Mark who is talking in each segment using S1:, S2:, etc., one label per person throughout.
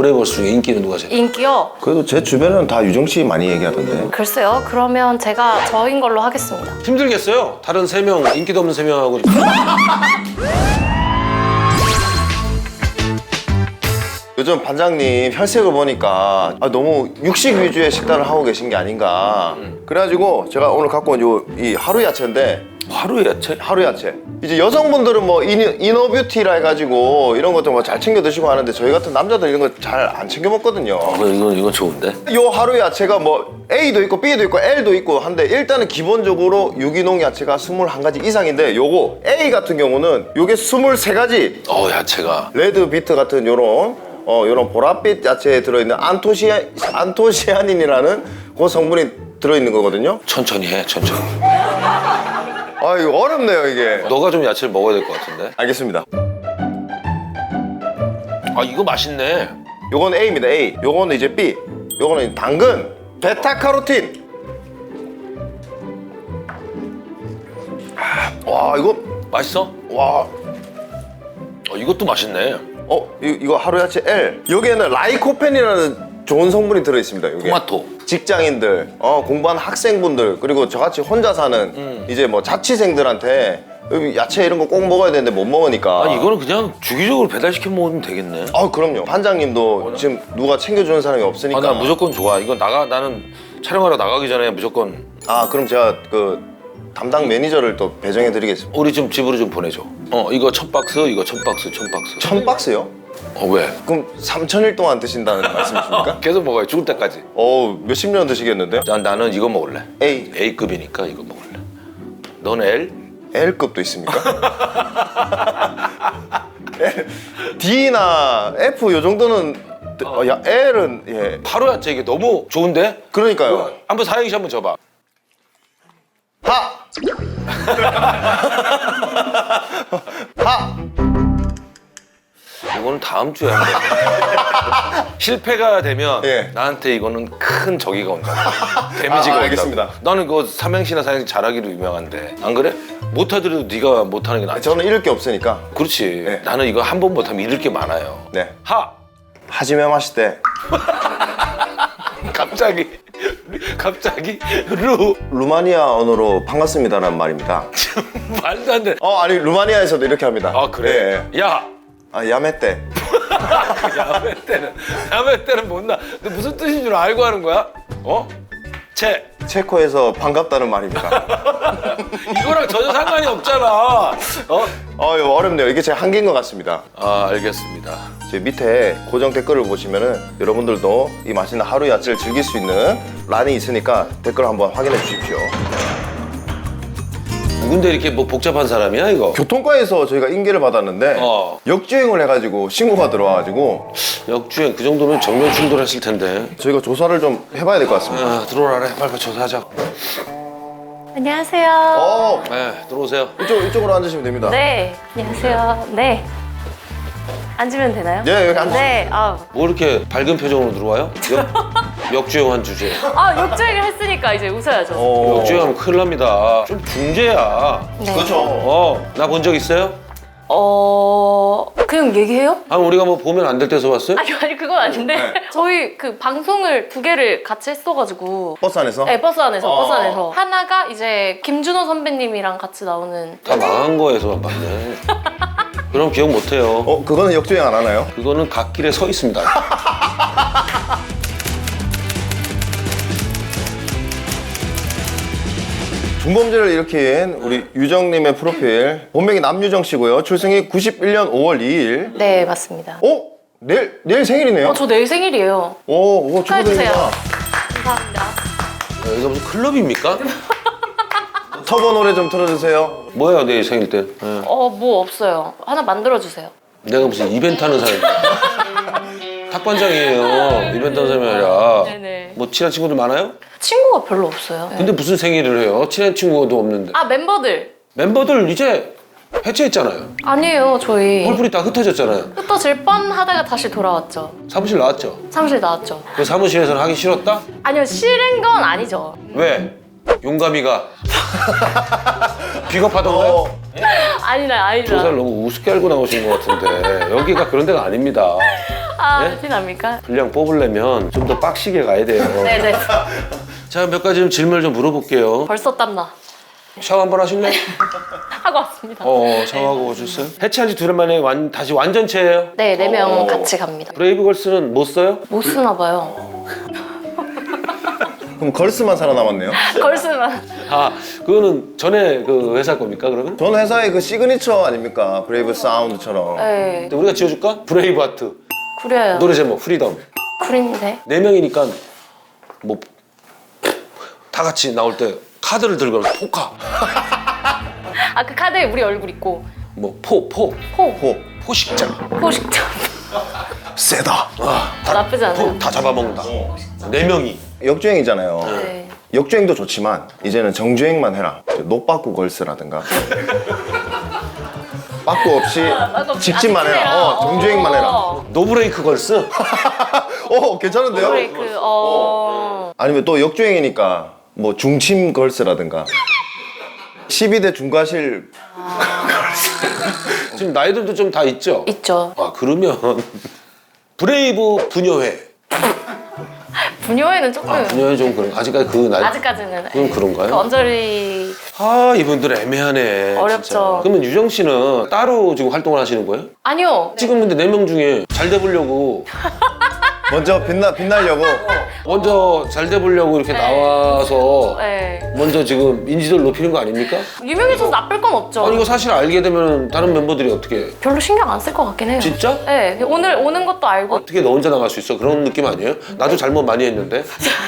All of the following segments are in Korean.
S1: 프레이버스 중에 인기는 누가 제일?
S2: 인기요?
S3: 그래도 제 주변에는 다 유정 씨 많이 얘기하던데.
S2: 글쎄요. 그러면 제가 저인 걸로 하겠습니다.
S1: 힘들겠어요. 다른 3명, 인기도 없는 3명하고.
S3: 요즘 반장님 혈색을 보니까 너무 육식 위주의 식단을 하고 계신 게 아닌가. 그래가지고 제가 오늘 갖고 온 이 하루 야채인데,
S1: 하루 야채?
S3: 하루 야채. 이제 여성분들은 뭐 이너뷰티라 해가지고 이런 것도 뭐 잘 챙겨 드시고 하는데 저희 같은 남자들 이런 거 잘 안 챙겨 먹거든요.
S1: 이건 좋은데?
S3: 요 하루 야채가 뭐 A도 있고 B도 있고 L도 있고 한데, 일단은 기본적으로 유기농 야채가 21가지 이상인데, 요거 A 같은 경우는 요게 23가지
S1: 야채가.
S3: 레드 비트 같은 요런 보랏빛 야채에 들어있는 안토시아닌이라는 그 성분이 들어있는 거거든요.
S1: 천천히 해, 천천히.
S3: 아, 이거 어렵네요, 이게.
S1: 너가 좀 야채를 먹어야 될 것 같은데?
S3: 알겠습니다.
S1: 이거 맛있네.
S3: 요건 A입니다, A. 요거는 이제 B. 요거는 당근, 베타카로틴. 와, 이거,
S1: 맛있어?
S3: 와.
S1: 이것도 맛있네.
S3: 이거 하루 야채 L. 여기에는 라이코펜이라는 좋은 성분이 들어있습니다, 여기.
S1: 토마토.
S3: 직장인들, 공부하는 학생분들, 그리고 저같이 혼자 사는 이제 뭐 자취생들한테 야채 이런 거 꼭 먹어야 되는데 못 먹으니까.
S1: 이거는 그냥 주기적으로 배달시켜 먹으면 되겠네.
S3: 그럼요. 반장님도 지금 누가 챙겨주는 사람이 없으니까.
S1: 난 무조건 좋아. 이건 나는 촬영하러 나가기 전에 무조건.
S3: 그럼 제가 그 담당 매니저를 또 배정해 드리겠습니다.
S1: 우리 좀 집으로 좀 보내줘. 이거 1000박스, 이거 1000박스, 1000박스.
S3: 1000박스요?
S1: 왜?
S3: 그럼 3000일 동안 드신다는 말씀이십니까?
S1: 계속 먹어요. 죽을 때까지.
S3: 몇십 년 드시겠는데?
S1: 나는 이거 먹을래.
S3: A.
S1: A급이니까 이거 먹을래. 넌 L?
S3: L급도 있습니까? D나 F 요 정도는 L은 예.
S1: 하루 야채 이게 너무 좋은데?
S3: 그러니까요.
S1: 한번 사행시 한번 줘봐.
S3: 하! 하!
S1: 이거는 다음 주에 한번. 실패가 되면
S3: 예.
S1: 나한테 이거는 큰 저기가 온다. 데미지가 온다.
S3: 알겠습니다.
S1: 나는 그거 삼행시나 사행시 잘하기로 유명한데 안 그래? 못하더라도 네가 못하는 게 낫지.
S3: 저는 잃을 게 없으니까.
S1: 그렇지.
S3: 네.
S1: 나는 이거 한 번 못하면 잃을 게 많아요.
S3: 네.
S1: 하!
S3: 하지메 마시테.
S1: 갑자기 루.
S3: 루마니아 언어로 반갑습니다라는 말입니다.
S1: 말도 안 돼.
S3: 아니 루마니아에서도 이렇게 합니다.
S1: 그래?
S3: 예.
S1: 야!
S3: 야메떼.
S1: 야매 때는 못나. 너 무슨 뜻인 줄 알고 하는 거야?
S3: 체코에서 반갑다는 말입니다.
S1: 이거랑 전혀 상관이 없잖아.
S3: 이거 어렵네요. 이게 제 한계인 것 같습니다.
S1: 알겠습니다.
S3: 제 밑에 고정 댓글을 보시면은 여러분들도 이 맛있는 하루 야채를 즐길 수 있는 란이 있으니까 댓글 한번 확인해 주십시오.
S1: 누군데 이렇게 뭐 복잡한 사람이야 이거?
S3: 교통과에서 저희가 인계를 받았는데 역주행을 해가지고 신고가 들어와가지고
S1: 역주행 그 정도면 정면 충돌했을 텐데.
S3: 저희가 조사를 좀 해봐야 될 것 같습니다.
S1: 들어오라 그래. 빨리 조사하자.
S2: 안녕하세요.
S1: 네, 들어오세요.
S3: 이쪽으로 앉으시면 됩니다.
S2: 네. 안녕하세요. 네. 앉으면 되나요?
S3: 네, 여기 앉으세요.
S2: 네.
S1: 뭐 이렇게 밝은 표정으로 들어와요? 역주행한 주제.
S2: 역주행을 했으니까 이제 웃어야죠.
S1: 역주행하면 큰일 납니다. 좀 중재야.
S2: 네.
S3: 그렇죠.
S1: 나 본 적 있어요?
S2: 그냥 얘기해요?
S1: 우리가 뭐 보면 안 될 때서 봤어요?
S2: 아니 그건 아닌데 저희 그 방송을 2개를 같이 했어가지고
S3: 버스 안에서?
S2: 네, 버스 안에서 하나가 이제 김준호 선배님이랑 같이 나오는
S1: 다 망한 거에서만 봤네. 그럼 기억 못해요.
S3: 그거는 역주행 안 하나요?
S1: 그거는 갓길에 서 있습니다.
S3: 중범죄를 일으킨 우리 유정님의 프로필, 본명이 남유정 씨고요. 출생이 91년 5월 2일.
S2: 네 맞습니다.
S3: 내일 생일이네요?
S2: 저 내일 생일이에요.
S3: 축하드립니다.
S2: 감사합니다.
S1: 여기가 무슨 클럽입니까?
S3: 터보 노래 좀 틀어주세요.
S1: 뭐예요 내일 생일 때?
S2: 뭐 없어요. 하나 만들어주세요.
S1: 내가 무슨 이벤트 하는 사람이야. 탁반장이에요. 이벤트 하는 사람이 아니라.
S2: 네네.
S1: 뭐 친한 친구들 많아요?
S2: 친구가 별로 없어요.
S1: 근데 무슨 생일을 해요? 친한 친구도 없는데.
S2: 멤버들.
S1: 멤버들 이제 해체했잖아요.
S2: 아니에요 저희
S1: 뿔뿔이 다 흩어졌잖아요.
S2: 흩어질 뻔하다가 다시 돌아왔죠.
S1: 사무실 나왔죠?
S2: 사무실 나왔죠.
S1: 그 사무실에서는 하기 싫었다?
S2: 아니요 싫은 건 아니죠.
S1: 왜? 용감이가 비겁하던가요?
S2: 아니라.
S1: 조사를 너무 우습게 알고 나오신 것 같은데 여기가 그런 데가 아닙니다.
S2: 아,
S1: 네?
S2: 티납니까?
S1: 분량 뽑으려면 좀 더 빡시게 가야 돼요.
S2: 네네.
S1: 자, 몇 가지 좀 질문을 좀 물어볼게요.
S2: 벌써 땀나.
S1: 샤워 한번 하실래요?
S2: 하고 왔습니다.
S1: 샤워하고 오셨어요? 해체한 지 2년 만에 다시 완전체예요?
S2: 네, 4명 같이 갑니다.
S1: 브레이브걸스는 못 써요?
S2: 못 쓰나 봐요.
S3: 그럼 걸스만 살아남았네요.
S2: 걸스만.
S1: 아, 그거는 전에 그 회사 겁니까, 그러면?
S3: 저는 회사의 그 시그니처 아닙니까? 브레이브 사운드처럼.
S2: 네,
S1: 우리가 지어줄까? 브레이브 하트.
S2: 그래요.
S1: 노래 제목, 프리덤.
S2: 쿨인데.
S1: 4명이니까 뭐 다 같이 나올 때 카드를 들고 포카,
S2: 아, 그 카드에 우리 얼굴 있고.
S1: 뭐
S2: 포.
S1: 포식자.
S2: 포식자.
S3: 세다.
S2: 나쁘지 않아요.
S1: 다 잡아먹는다. 4명이.
S3: 역주행이잖아요.
S2: 네.
S3: 역주행도 좋지만 이제는 정주행만 해라. 노빠꾸 걸스라든가. 빠꾸 없이 직진만 해라. 정주행만 해라.
S1: 노브레이크 걸스?
S3: 괜찮은데요?
S2: 브레이크.
S3: 아니면 또 역주행이니까 뭐 중침 걸스라든가. 12대 중과실.
S1: 지금 나이들도 좀 다 있죠?
S2: 있죠.
S1: 아, 그러면 브레이브 부녀회.
S2: 분녀회는 조금.
S1: 부녀회 좀 그런, 아직까지 그 나이.
S2: 아직까지는.
S1: 그건 그런가요?
S2: 그 언저리.
S1: 아, 이분들 애매하네.
S2: 어렵죠.
S1: 진짜. 그러면 유정 씨는 따로 지금 활동을 하시는 거예요?
S2: 아니요.
S1: 지금 근데 4명 중에 잘 돼보려고
S3: 먼저 빛나려고.
S1: 먼저 잘 돼보려고 이렇게 나와서
S2: 네.
S1: 먼저 지금 인지도를 높이는 거 아닙니까?
S2: 유명해져서 나쁠 건 없죠.
S1: 아니, 이거 사실 알게 되면 다른 멤버들이 어떻게
S2: 별로 신경 안 쓸 것 같긴 해요.
S1: 진짜?
S2: 네. 오늘 오는 것도 알고.
S1: 어떻게 너 혼자 나갈 수 있어? 그런 느낌 아니에요? 나도 잘못 많이 했는데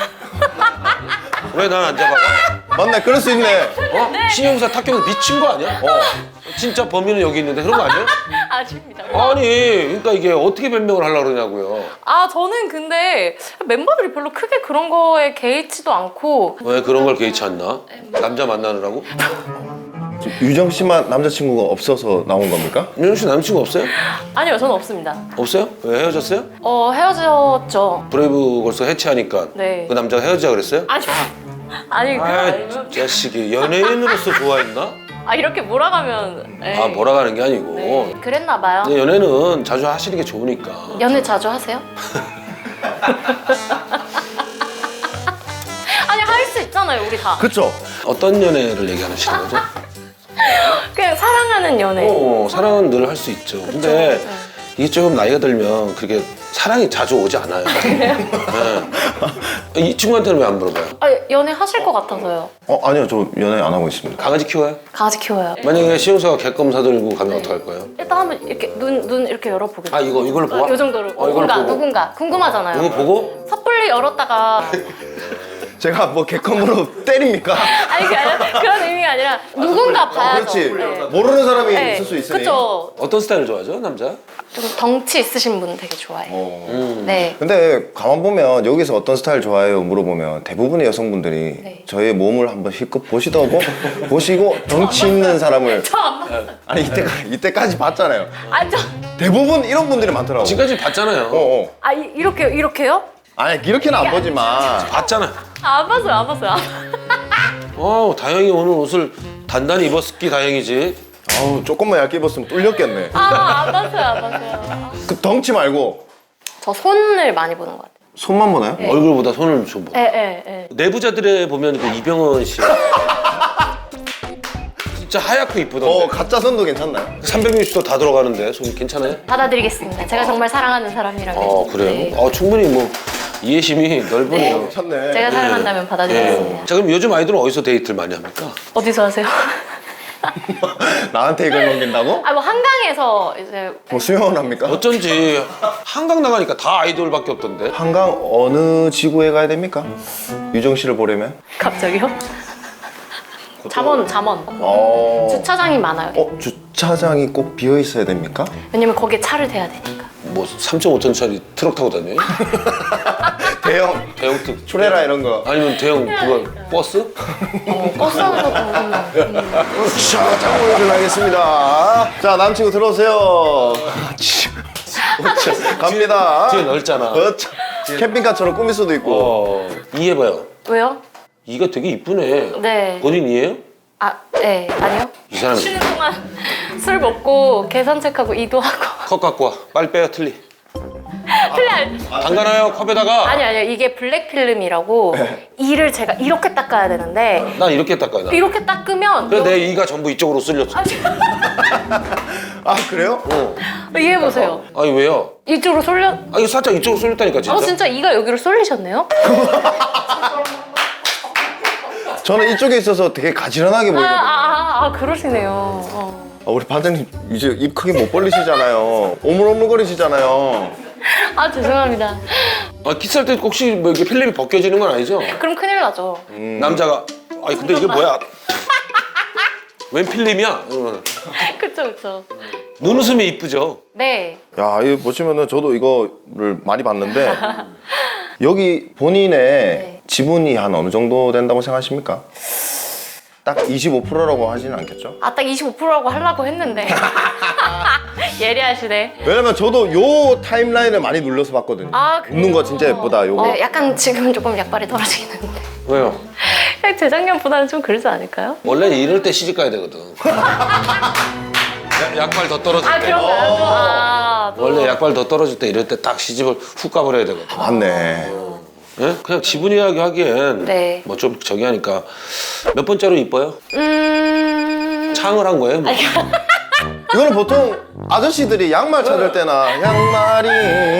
S1: 왜 난 안 잡아가?
S3: 맞네, 그럴 수 있네.
S1: 신용사 탁경은 미친 거 아니야? 진짜 범인은 여기 있는데 그런 거 아니에요?
S2: 아닙니다.
S1: 아니, 그러니까 이게 어떻게 변명을 하려고 그러냐고요.
S2: 아, 저는 근데 멤버들이 별로 크게 그런 거에 개의치도 않고.
S1: 왜 그런 걸 개의치 않나? 남자 만나느라고?
S3: 유정 씨만 남자친구가 없어서 나온 겁니까?
S1: 유정 씨 남친구 없어요?
S2: 아니요, 저는 없습니다.
S1: 없어요? 왜 헤어졌어요?
S2: 헤어졌죠.
S1: 브레이브 걸스 해체하니까
S2: 네.
S1: 그 남자가 헤어지자 그랬어요?
S2: 아니, 그건
S1: 아,
S2: 아니고.
S1: 자식이 연예인으로서 좋아했나?
S2: 아, 이렇게 몰아가면. 에이.
S1: 아, 몰아가는 게 아니고.
S2: 네. 그랬나 봐요.
S1: 근데 연애는 자주 하시는 게 좋으니까.
S2: 연애 자주 하세요? 아니, 할 수 있잖아요, 우리 다.
S3: 그쵸?
S1: 어떤 연애를 얘기하시는 거죠?
S2: 그냥 사랑하는 연애.
S1: 사랑은 늘 할 수 있죠. 근데 이게 조금 나이가 들면 그렇게 사랑이 자주 오지 않아요. 네. 이 친구한테는 왜 안 물어봐요?
S2: 아, 연애 하실 것 같아서요.
S3: 아니요, 저 연애 안 하고 있습니다.
S1: 강아지 키워요?
S2: 강아지 키워요.
S1: 만약에 시용사가 객검 사들고 가면 어떡할 거예요?
S2: 일단 한번 이렇게 눈 이렇게 열어보겠습니다.
S1: 아, 이걸로 보아?
S2: 요 정도로.
S1: 이걸 보고?
S2: 누군가 궁금하잖아요.
S1: 이거 보고?
S2: 섣불리 열었다가
S3: 제가 뭐 개껌으로 때립니까?
S2: 아니 그게 아니라 그런 의미가 아니라 누군가 봐야죠.
S3: 그렇지.
S2: 네.
S3: 모르는 사람이
S2: 네.
S3: 있을 수 있으니.
S2: 그쵸.
S1: 어떤 스타일 좋아하죠, 남자?
S2: 좀 덩치 있으신 분 되게 좋아해요. 네.
S3: 근데 가만 보면 여기서 어떤 스타일 좋아해요 물어보면 대부분의 여성분들이
S2: 네.
S3: 저의 몸을 한번 실컷 보시더고 보시고 덩치 있는 사람을
S2: 저안 봤어요.
S3: 아니 이때까지 봤잖아요.
S2: 아,
S3: 대부분 이런 분들이 많더라고.
S1: 지금까지 봤잖아요.
S2: 이렇게요?
S3: 아니 이렇게는 안 보지만
S1: 봤잖아요.
S2: 안 봤어요.
S1: 다행히 오늘 옷을 단단히 입었기 다행이지.
S3: 조금만 얇게 입었으면 뚫렸겠네.
S2: 안 봤어요.
S3: 그 덩치 말고
S2: 저 손을 많이 보는 것 같아요.
S3: 손만 보나요?
S1: 얼굴보다 손을 좀 봐.
S2: 예.
S1: 내부자들에 보면 그 이병헌 씨 진짜 하얗고 이쁘던데.
S3: 가짜 손도 괜찮나요?
S1: 360도 다 들어가는데 손 괜찮아요?
S2: 받아드리겠습니다. 제가 정말 사랑하는 사람이라면.
S1: 그래요?
S2: 네.
S1: 충분히 뭐 이해심이 넓으네요.
S3: 괜찮네.
S2: 제가 사랑한다면 받아드리겠습니다.
S1: 자, 그럼 요즘 아이돌은 어디서 데이트를 많이 합니까?
S2: 어디서 하세요?
S3: 나한테 이걸 넘긴다고?
S2: 뭐 한강에서 이제
S3: 뭐 수영을 합니까?
S1: 어쩐지 한강 나가니까 다 아이돌밖에 없던데.
S3: 한강 어느 지구에 가야 됩니까? 유정 씨를 보려면?
S2: 갑자기요? 잠원. 주차장이 많아요.
S3: 주차장이 꼭 비어 있어야 됩니까?
S2: 왜냐면 거기에 차를 대야 되니까.
S1: 뭐 3.5톤짜리 트럭 타고 다녀요?
S3: 대형
S1: 대형 특
S3: 트레라 이런 거.
S1: 아니면 대형 버스?
S2: 버스 안에서
S3: 주차장으로 가겠습니다. 자 남친구 들어오세요. 갑니다.
S1: 뒤에 넓잖아.
S3: 캠핑카처럼 꾸밀 수도 있고.
S1: 이해봐요.
S2: 왜요?
S1: 이가 되게 이쁘네.
S2: 네.
S1: 본인이에요?
S2: 네. 아니요.
S1: 이 사람이
S2: 쉬는 동안 술 먹고 계산 체크하고 이도하고.
S1: 컵 갖고 와. 빨리 빼요, 틀리.
S2: 틀려.
S1: 담가놔요, 컵에다가.
S2: 아니요. 이게 블랙 필름이라고 이를 제가 이렇게 닦아야 되는데
S1: 난 이렇게 닦아요. 나.
S2: 이렇게 닦으면
S1: 그래 내 이가 전부 이쪽으로 쓸렸어.
S3: 아 그래요?
S2: 이해해 보세요.
S1: 아니 왜요?
S2: 이쪽으로 쏠려.
S1: 아 이거 살짝 이쪽으로 쏠렸다니까 진짜.
S2: 진짜 이가 여기로 쏠리셨네요?
S3: 저는 이쪽에 있어서 되게 가지런하게 보이거든요.
S2: 그러시네요.
S3: 우리 반장님 이제 입 크게 못 벌리시잖아요. 오물오물거리시잖아요.
S2: 죄송합니다.
S1: 키스할 때 혹시 뭐 이게 필름이 벗겨지는 건 아니죠?
S2: 그럼 큰일 나죠.
S1: 남자가 아니 근데 이게 뭐야? 웬 필름이야? 이러면.
S2: 그쵸.
S1: 눈웃음이 이쁘죠?
S2: 네.
S3: 야, 이거 보시면은 저도 이거를 많이 봤는데 여기 본인의 지분이 한 어느 정도 된다고 생각하십니까? 딱 25%라고 하지는 않겠죠?
S2: 딱 25%라고 하려고 했는데. 예리하시네.
S3: 왜냐면 저도 요 타임라인을 많이 눌러서 봤거든요. 웃는 거 진짜 예쁘다, 요거.
S2: 약간 지금 조금 약발이 떨어지긴 했는데.
S1: 왜요?
S2: 재작년보다는 좀 그러지 않을까요?
S1: 원래 이럴 때 시집 가야 되거든. 약발 더 떨어질 때.
S2: 그런가요?
S1: 원래 약발 더 떨어질 때 이럴 때 딱 시집을 훅 가버려야 되거든.
S3: 맞네.
S1: 예? 그냥 지분 이야기 하기엔
S2: 네.
S1: 뭐 좀 저기 하니까 몇 번째로 이뻐요? 창을 한 거예요? 뭐.
S3: 이거는 보통 아저씨들이 양말 찾을 때나 양말이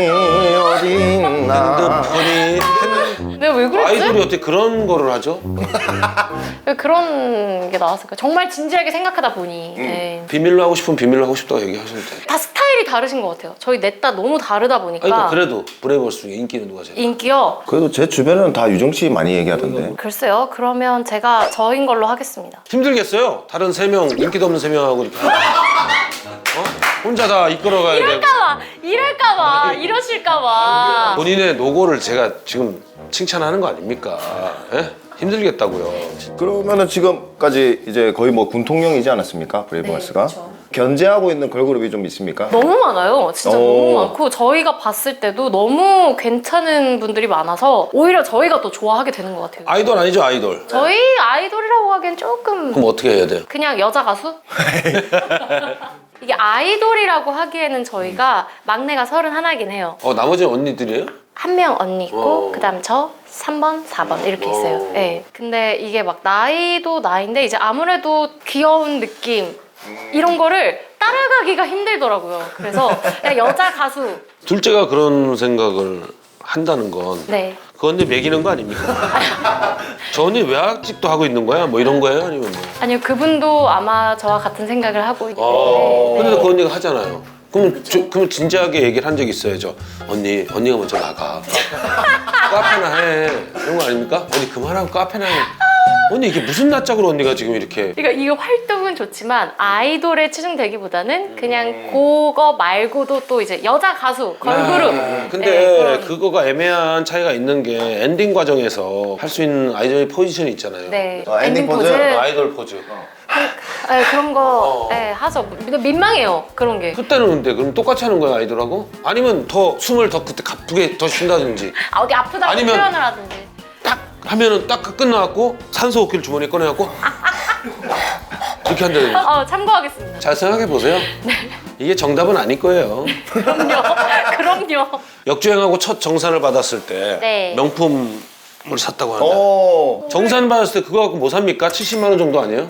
S3: 어딨나
S1: 핸드폰이
S2: 내가 왜 그랬지?
S1: 아이돌이 어떻게 그런 거를 하죠?
S2: 왜 그런 게 나왔을까? 정말 진지하게 생각하다 보니. 네.
S1: 비밀로 하고 싶으면 비밀로 하고 싶다고 얘기하시면 돼.
S2: 다 스타일이 다르신 것 같아요. 저희 넷 다 너무 다르다 보니까.
S1: 아니 그래도 브레이브걸스 중에 인기는 누가 제일?
S2: 인기요?
S3: 그래도 제 주변에는 다 유정 씨 많이 얘기하던데.
S2: 글쎄요. 그러면 제가 저인 걸로 하겠습니다.
S1: 힘들겠어요? 다른 3명 인기도 없는 3명하고 이렇게 혼자 다 이끌어가야 되고
S2: 이럴까봐, 이러실까봐.
S1: 본인의 노고를 제가 지금 칭찬하는 거 아닙니까? 예? 힘들겠다고요.
S3: 그러면은 지금까지 이제 거의 뭐 군통령이지 않았습니까? 브레이브걸스가?
S2: 그렇죠.
S3: 견제하고 있는 걸그룹이 좀 있습니까?
S2: 너무 많아요. 진짜
S3: 오.
S2: 너무 많고 저희가 봤을 때도 너무 괜찮은 분들이 많아서 오히려 저희가 더 좋아하게 되는 것 같아요.
S1: 아이돌 아니죠 아이돌?
S2: 저희 아이돌이라고 하기엔 조금
S1: 그럼 어떻게 해야 돼요?
S2: 그냥 여자 가수? 이게 아이돌이라고 하기에는 저희가 막내가 31이긴 해요.
S1: 나머지는 언니들이에요?
S2: 한 명 언니 있고
S1: 어.
S2: 그다음 저 3번, 4번 이렇게 있어요. 네. 근데 이게 막 나이도 나이인데 이제 아무래도 귀여운 느낌 이런 거를 따라가기가 힘들더라고요. 그래서 그냥 여자 가수.
S1: 둘째가 그런 생각을 한다는 건
S2: 네.
S1: 그 언니 매기는 거 아닙니까? 저 언니 왜 아직도 하고 있는 거야? 뭐 이런 거예요? 아니면 뭐?
S2: 아니요, 그분도 아마 저와 같은 생각을 하고 있기 때문에.
S1: 근데 그 언니가 하잖아요. 그럼 진지하게 얘기를 한 적이 있어야죠. 언니가 먼저 나가. 카페나 해. 이런 거 아닙니까? 언니 그만하고 카페나 해. 언니 이게 무슨 낯짝으로 언니가 지금 이렇게.
S2: 그러니까 이게 활동은 좋지만 아이돌에 치중되기보다는 그냥 그거 말고도 또 이제 여자 가수, 걸그룹.
S1: 근데
S2: 네, 그런-
S1: 그거가 애매한 차이가 있는 게 엔딩 과정에서 할 수 있는 아이돌의 포지션이 있잖아요.
S2: 네.
S3: 엔딩
S2: 엔딩
S3: 포즈?
S2: 포즈.
S1: 아이돌 포즈.
S2: 네, 그런 거 네, 하죠. 근데 민망해요. 그런 게.
S1: 그때는 근데 그럼 똑같이 하는 거야 아이돌하고? 아니면 더 숨을 더 그때 가쁘게 더 쉰다든지
S2: 어디 아프다고
S1: 아니면-
S2: 표현을 하든지.
S1: 딱 하면은 딱 끝나갖고 산소 호흡기를 주머니에 꺼내갖고 이렇게 한다든지.
S2: 참고하겠습니다.
S1: 잘 생각해 보세요. 이게 정답은 아닐 거예요.
S2: 그럼요.
S1: 역주행하고 첫 정산을 받았을 때
S2: 네.
S1: 명품을 샀다고 하는데
S3: 오.
S1: 정산 받았을 때 그거 갖고 뭐 삽니까? 70만 원 정도 아니에요?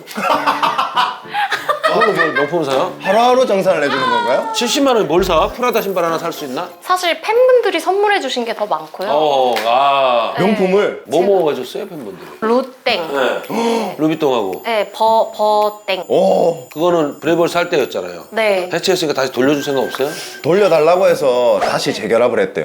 S1: 그걸로 뭘 명품 사요?
S3: 하루하루 정산을 해주는 건가요?
S1: 70만 원에 뭘 사? 프라다 신발 하나 살 수 있나?
S2: 사실 팬분들이 선물해 주신 게 더 많고요.
S3: 명품을?
S1: 뭐 먹어가셨어요 팬분들이?
S2: 루땡,
S1: 네. 루비통하고
S2: 네, 버땡.
S3: 오.
S1: 그거는 브레이벌스 할 때였잖아요.
S2: 네.
S1: 해체했으니까 다시 돌려줄 생각 없어요?
S3: 돌려달라고 해서 다시 재결합을 했대요.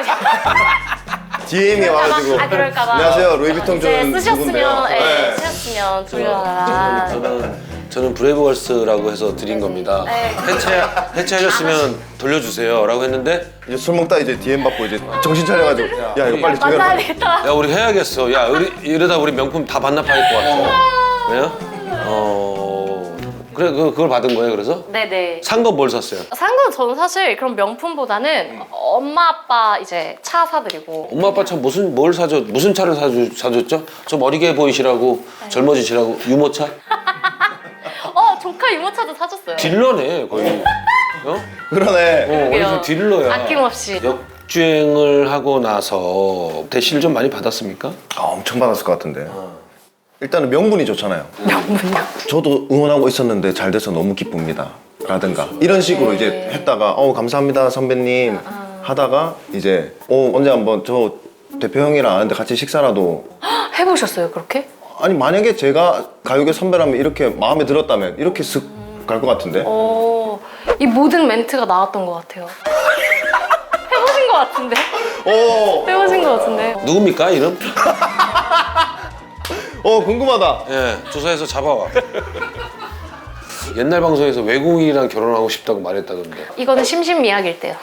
S3: DM이 와가지고
S2: 그럴까봐.
S3: 안녕하세요 루이비통
S2: 이제
S3: 준
S2: 쓰셨으면,
S3: 누군데요?
S2: 네, 쓰셨으면 돌려라.
S1: 저는 브레이브걸스라고 해서 드린 겁니다.
S2: 네.
S1: 해체하셨으면 돌려주세요 라고 했는데
S3: 이제 술 먹다 이제 DM 받고 이제 정신 차려가지고 야 이거 빨리
S2: 만나야
S3: 재결합.
S2: 되겠다.
S1: 야 우리 해야겠어. 야 이러다 우리 명품 다 반납할 것 같아. 왜요? 그래 그걸 받은 거예요. 그래서
S2: 네네.
S1: 산 건 뭘 샀어요?
S2: 산 건 저는 사실 그런 명품보다는 엄마 아빠 이제 차 사드리고.
S1: 엄마 아빠 참 무슨 차를 사줬죠? 좀 어리게 보이시라고 젊어지시라고 유모차?
S2: 조카 유모차도 사줬어요.
S1: 딜러네 거의. 어?
S3: 그러네.
S2: 그러게요.
S1: 어디서 딜러야.
S2: 아낌없이.
S1: 역주행을 하고 나서 대시를 좀 많이 받았습니까?
S3: 엄청 받았을 것 같은데. 일단은 명분이 좋잖아요.
S2: 명분요.
S3: 저도 응원하고 있었는데 잘 돼서 너무 기쁩니다. 라든가 이런 식으로 이제 했다가 감사합니다 선배님 하다가 이제 언제 한번 저 대표 형이랑 아는데 같이 식사라도
S2: 해보셨어요 그렇게?
S3: 아니 만약에 제가 가요계 선배라면 이렇게 마음에 들었다면 이렇게 쓱 갈 것 같은데
S2: 이 모든 멘트가 나왔던 것 같아요. 해보신 것 같은데? 해보신 것 같은데?
S1: 누굽니까 이름?
S3: 궁금하다.
S1: 예, 조사해서 잡아와. 옛날 방송에서 외국인이랑 결혼하고 싶다고 말했다던데.
S2: 이거는 심신미약일 때요.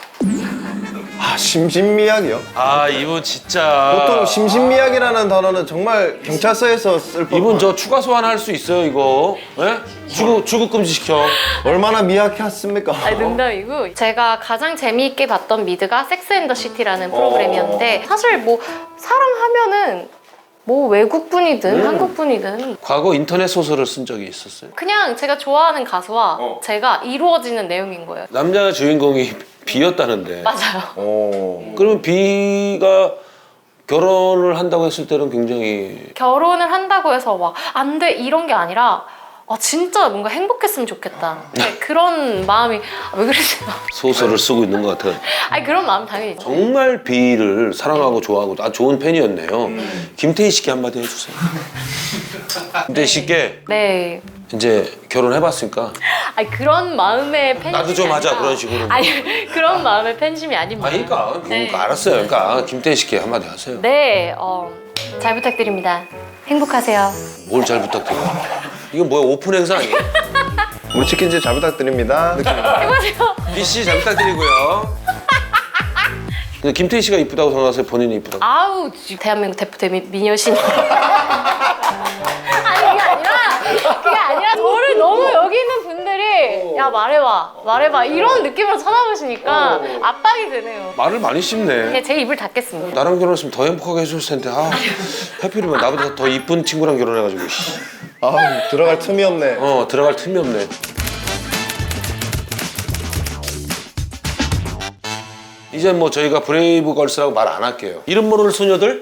S3: 심신미약이요?
S1: 아 이분 진짜.
S3: 보통 심신미약이라는 단어는 정말 경찰서에서 쓸 법한
S1: 이분 저 추가 소환할 수 있어요 이거? 예? 출국 금지 시켜.
S3: 얼마나 미약했습니까?
S2: 아니 농담이고 제가 가장 재미있게 봤던 미드가 섹스 앤 더 시티라는 프로그램이었는데 사실 뭐 사랑하면은 뭐 외국 분이든 한국 분이든
S1: 과거 인터넷 소설을 쓴 적이 있었어요.
S2: 그냥 제가 좋아하는 가수와 제가 이루어지는 내용인 거예요.
S1: 남자 주인공이 비였다는데.
S2: 맞아요.
S1: 그러면 비가 결혼을 한다고 했을 때는 굉장히
S2: 결혼을 한다고 해서 막 안 돼 이런 게 아니라 진짜 뭔가 행복했으면 좋겠다. 그런 마음이 왜 그러세요?
S1: 소설을 쓰고 있는 것 같아요.
S2: 아니 그런 마음 당연히 있죠.
S1: 정말 비를 사랑하고 좋아하고 좋은 팬이었네요. 김태희 씨께 한마디 해주세요. 김태희 씨께
S2: 네.
S1: 이제 결혼해봤으니까
S2: 아니 그런 마음의 팬심이
S1: 나도 좀 하자,
S2: 아니라-
S1: 그런 식으로.
S2: 아니 그런 마음의 팬심이 아닙니다.
S1: 그러니까
S2: 네.
S1: 알았어요. 그러니까 김태희 씨께 한마디 하세요.
S2: 네, 잘 부탁드립니다. 행복하세요.
S1: 뭘 잘 부탁드려요. 이건 뭐야 오픈 행사 아니에요?
S3: 우리 치킨집 잘 부탁드립니다.
S2: 해보세요.
S1: 비씨 잘 부탁드리고요. 근데 김태희 씨가 이쁘다고 생각하세요? 본인이 이쁘다고?
S2: 아우, 대한민국 대표 미녀신. 아니 그게 아니라 저를 너무 여기 있는 분들이 야 말해봐 이런 느낌으로 쳐다보시니까 압박이 되네요.
S1: 말을 많이 씹네.
S2: 그냥 제 입을 닫겠습니다.
S1: 나랑 결혼했으면 더 행복하게 해줬을 텐데 하필이면 나보다 더 이쁜 친구랑 결혼해가지고
S3: 들어갈 틈이 없네.
S1: 들어갈 틈이 없네. 이제 뭐 저희가 브레이브 걸스라고 말 안 할게요. 이름 모르는 소녀들?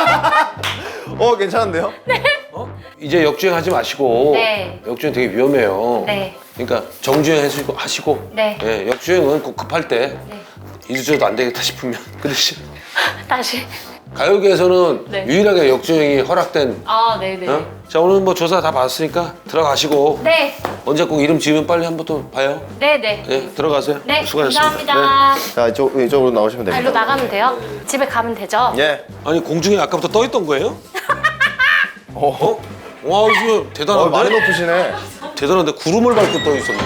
S3: 괜찮은데요?
S1: 이제 역주행하지 마시고
S2: 네.
S1: 역주행 되게 위험해요.
S2: 네.
S1: 그러니까 정주행 하시고
S2: 네.
S1: 역주행은 꼭 급할 때 잊어줘도 안 되겠다 싶으면 그 대신
S2: 다시.
S1: 가요계에서는
S2: 네.
S1: 유일하게 역주행이 허락된
S2: 네네.
S1: 자 오늘 뭐 조사 다 봤으니까 들어가시고
S2: 네.
S1: 언제 꼭 이름 지으면 빨리 한번 또 봐요.
S2: 네네.
S1: 네 들어가세요.
S2: 네,
S1: 수고하셨습니다.
S2: 감사합니다.
S3: 자, 이쪽으로 나오시면
S2: 일로
S3: 됩니다.
S2: 나가면 돼요? 집에 가면 되죠?
S3: 예.
S1: 아니 공중에 아까부터 떠 있던 거예요? 와 이거 대단한데?
S3: 많이 높으시네.
S1: 대단한데 구름을 밟고 떠 있었네.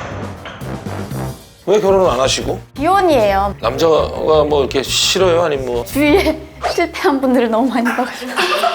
S1: 왜 결혼을 안 하시고?
S4: 비혼이에요.
S1: 남자가 뭐 이렇게 싫어요? 아니면 뭐
S4: 주위에 실패한 분들을 너무 많이 봐가지고.